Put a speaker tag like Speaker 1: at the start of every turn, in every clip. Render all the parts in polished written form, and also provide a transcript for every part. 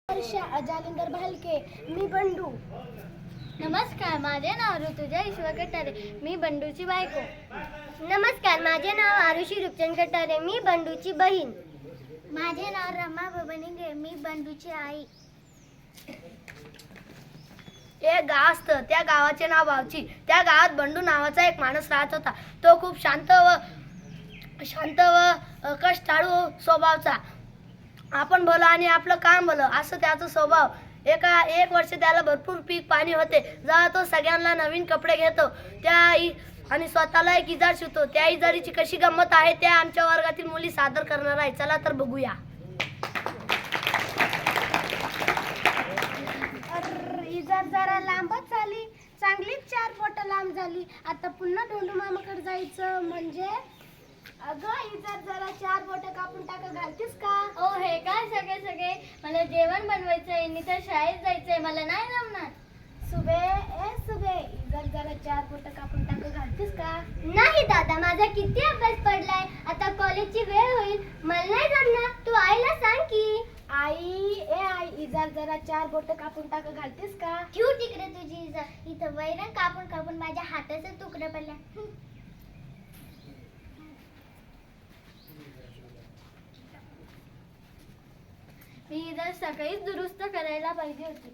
Speaker 1: अजालिंदर भालके. मी बंडू.
Speaker 2: नमस्कार, माझे नाव ऋतुजा ईश्वर कटारे. मी बंडूची बायको.
Speaker 3: नमस्कार, माझे नाव आरुषी रूपचंद कटारे. मी बंडूची बहीण.
Speaker 2: माझे नाव रमा बबनिंगे. मी बंडूची आई.
Speaker 1: एक गाव असतं, त्या गावाचे नाव बावची. त्या गावात बंडू नावाचा एक माणूस राहत होता. तो खूप शांत व कष्टाळू स्वभावचा. आपण भलं आणि आपलं काम भलं असं त्याचा स्वभाव. एक वर्ष त्याला भरपूर पीक पाणी होते. जेव्हा तो सगळ्यांना नवीन कपडे घेतो आणि स्वतःला एक इजार शिवतो. त्या इजारीची कशी गंमत आहे त्या आमच्या वर्गातील मुली सादर करणार आहे. चला तर बघूया.
Speaker 3: इजार जरा लांबच झाली. चांगलीच 4 बोट लांब झाली. आता पुन्हा डोंडू मामाकडे जायचं म्हणजे अगं इजार जरा 4 बोट कापून घालतेस का?
Speaker 2: ओ हे काय सगळे मला जेवण बनवायचंय, तर शाळेत जायचंय. मला नाही जमणार.
Speaker 3: सुबे इजार जरा 4 बोट कापून घालतेस का?
Speaker 2: नाही दादा, माझा किती अभ्यास पडलाय. आता कॉलेजची वेळ होईल. मला नाही जमणार. तू आईला सांग की.
Speaker 3: आई इजार जरा 4 बोट कापून घालतेस का?
Speaker 2: ठेव तिकडे तुझी इजार. इथं वैरण कापून माझ्या हाताचं तुकडं पडलं. मी इजार सकाळीच दुरुस्त करायला पाहिजे होती.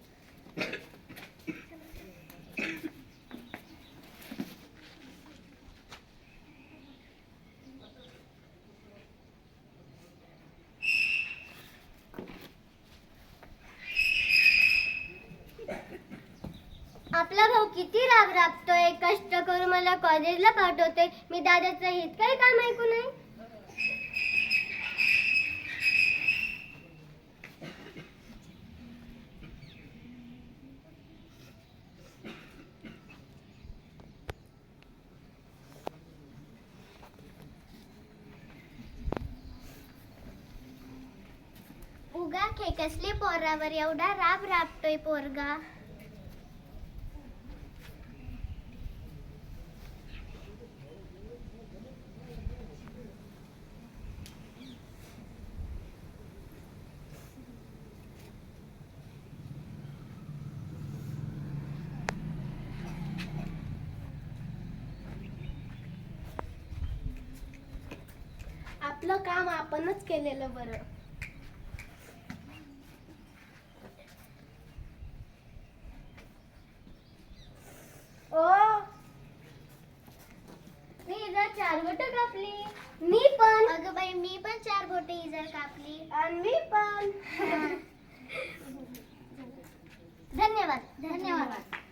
Speaker 2: आपला भाऊ किती राबतोय. कष्ट करून मला कॉलेजला पाठवते. मी दादाचं हित काही काम ऐकू नये. उगा खेकसले पोरावर एवढा राबतोय पोरगा.
Speaker 3: आपलं काम आपणच केलेलं बरं.
Speaker 2: मी इजार 4 बोट कापली.
Speaker 3: मी पण.
Speaker 2: अगं बाई, मी पण 4 बोटे इजार कापली.
Speaker 3: आणि मी पण.
Speaker 2: धन्यवाद.